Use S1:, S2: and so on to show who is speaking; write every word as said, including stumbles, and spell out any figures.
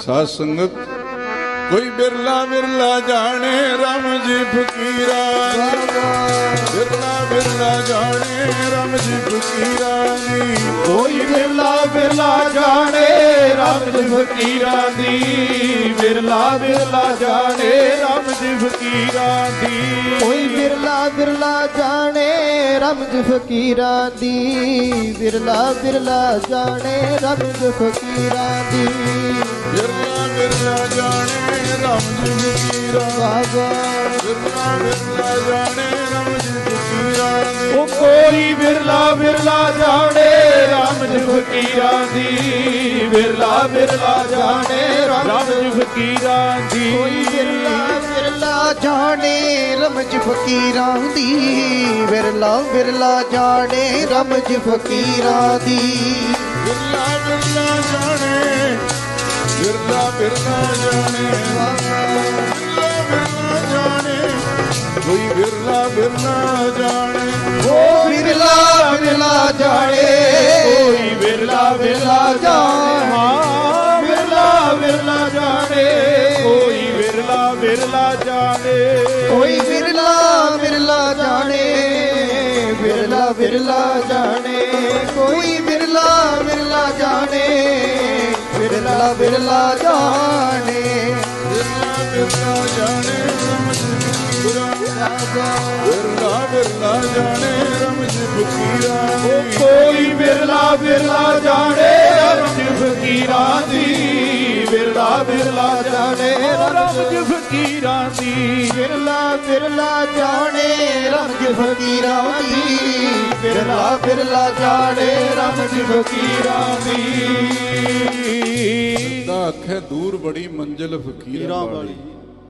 S1: ਸਾਧ ਸੰਗਤ ਕੋਈ ਬਿਰਲਾ ਬਿਰਲਾ ਜਾਣੇ ਰਾਮ ਜੀ ਫਕੀਰਾ ਬਿਰਲਾ ਬਿਰਲਾ ਜਾਣੇ ਰਾਮ ਜੀ ਫਕੀਰਾ ਦੀ
S2: ਕੋਈ ਬਿਰਲਾ ਬਿਰਲਾ ਜਾਣੇ ਰਾਮ ਜੀ ਫਕੀਰਾਂ ਦੀ ਬਿਰਲਾ ਬਿਰਲਾ ਜਾਣੇ ਰਾਮ ਜੀ ਫਕੀਰਾਂ ਦੀ
S3: ਕੋਈ ਬਿਰਲਾ ਬਿਰਲਾ ਜਾਣੇ ਰਾਮ ਜੀ ਫਕੀਰਾਂ ਦੀ ਬਿਰਲਾ ਬਿਰਲਾ ਜਾਣੇ ਰਾਮ ਜੀ ਫਕੀਰਾਂ ਦੀ
S1: ਬਿਰਲਾ ਬਿਰਲਾ ਜਾਣੇ ਰਾਮ ਜੀ ਫਕੀਰਾ
S3: ਬਾਬਾ
S1: ਬਿਰਲਾ ਬਿਰਲਾ ਜਾਣੇ ਰਾਮ ਜੀ ਫਕੀਰਾ ਦੀ
S2: ਉਹ ਕੋਈ ਬਿਰਲਾ ਬਿਰਲਾ ਜਾਣੇ ਰਾਮ ਜੀ ਫਕੀਰਾਂ ਦੀ ਬਿਰਲਾ ਬਿਰਲਾ ਜਾਣੇ ਰਾਮ ਜੀ ਫਕੀਰਾਂ ਦੀ
S3: ਕੋਈ ਬਿਰਲਾ ਬਿਰਲਾ ਜਾਣੇ ਰਾਮ ਜੀ ਫਕੀਰਾਂ ਦੀ ਬਿਰਲਾ ਬਿਰਲਾ ਜਾਣੇ ਰਾਮ ਜੀ ਫਕੀਰਾਂ ਦੀ
S1: ਬਿਰਲਾ ਬਿਰਲਾ ਜਾਣੇ ਬਿਰਲਾ ਬਿਰਲਾ ਜਾਣੇ ਬਿਰਲਾ ਬਿਰਲਾ ਜਾਣੇ ਕੋਈ ਬਿਰਲਾ ਬਿਰਲਾ ਜਾਣੇ
S3: ਉਹ ਬਿਰਲਾ ਬਿਰਲਾ ਜਾਣੇ
S2: ਕੋਈ ਬਿਰਲਾ ਬਿਰਲਾ ਜਾਣੇ ਹਾਂ ਬਿਰਲਾ ਬਿਰਲਾ ਜਾਣੇ ਕੋਈ ਬਿਰਲਾ ਬਿਰਲਾ ਜਾਣੇ
S3: ਕੋਈ ਬਿਰਲਾ ਬਿਰਲਾ ਜਾਣੇ ਬਿਰਲਾ ਬਿਰਲਾ ਜਾਣੇ ਕੋਈ ਬਿਰਲਾ ਬਿਰਲਾ ਜਾਣੇ ਬਿਰਲਾ ਬਿਰਲਾ ਜਾਣੇ
S1: ਬਿਰਲਾ ਬਿਰਲਾ ਜਾਣੇ ਰਾਮ ਜੀ ਫਕੀਰਾ ਬਿਰਲਾ ਬਿਰਲਾ ਜਾਣੇ ਰਾਮ ਜੀ ਫਕੀਰਾ
S2: ਕੋਈ ਬਿਰਲਾ ਬਿਰਲਾ ਜਾਣੇ ਰਾਮ ਜੀ ਫਕੀਰਾਂ ਦੀ ਬਿਰਲਾ ਬਿਰਲਾ ਜਾਣੇ ਰਾਮ ਜੀ ਫਕੀਰਾਂ ਦੀ
S3: ਬਿਰਲਾ ਬਿਰਲਾ ਜਾਣੇ ਰਾਮ ਜੀ ਫਕੀਰਾਂ ਦੀ ਬਿਰਲਾ ਬਿਰਲਾ ਜਾਣੇ ਰਾਮ ਜੀ ਫਕੀਰਾਂ ਦੀ
S1: ਦਾ ਆਖੇ ਦੂਰ ਬੜੀ ਮੰਜ਼ਿਲ ਫਕੀਰਾਂ ਵਾਲੀ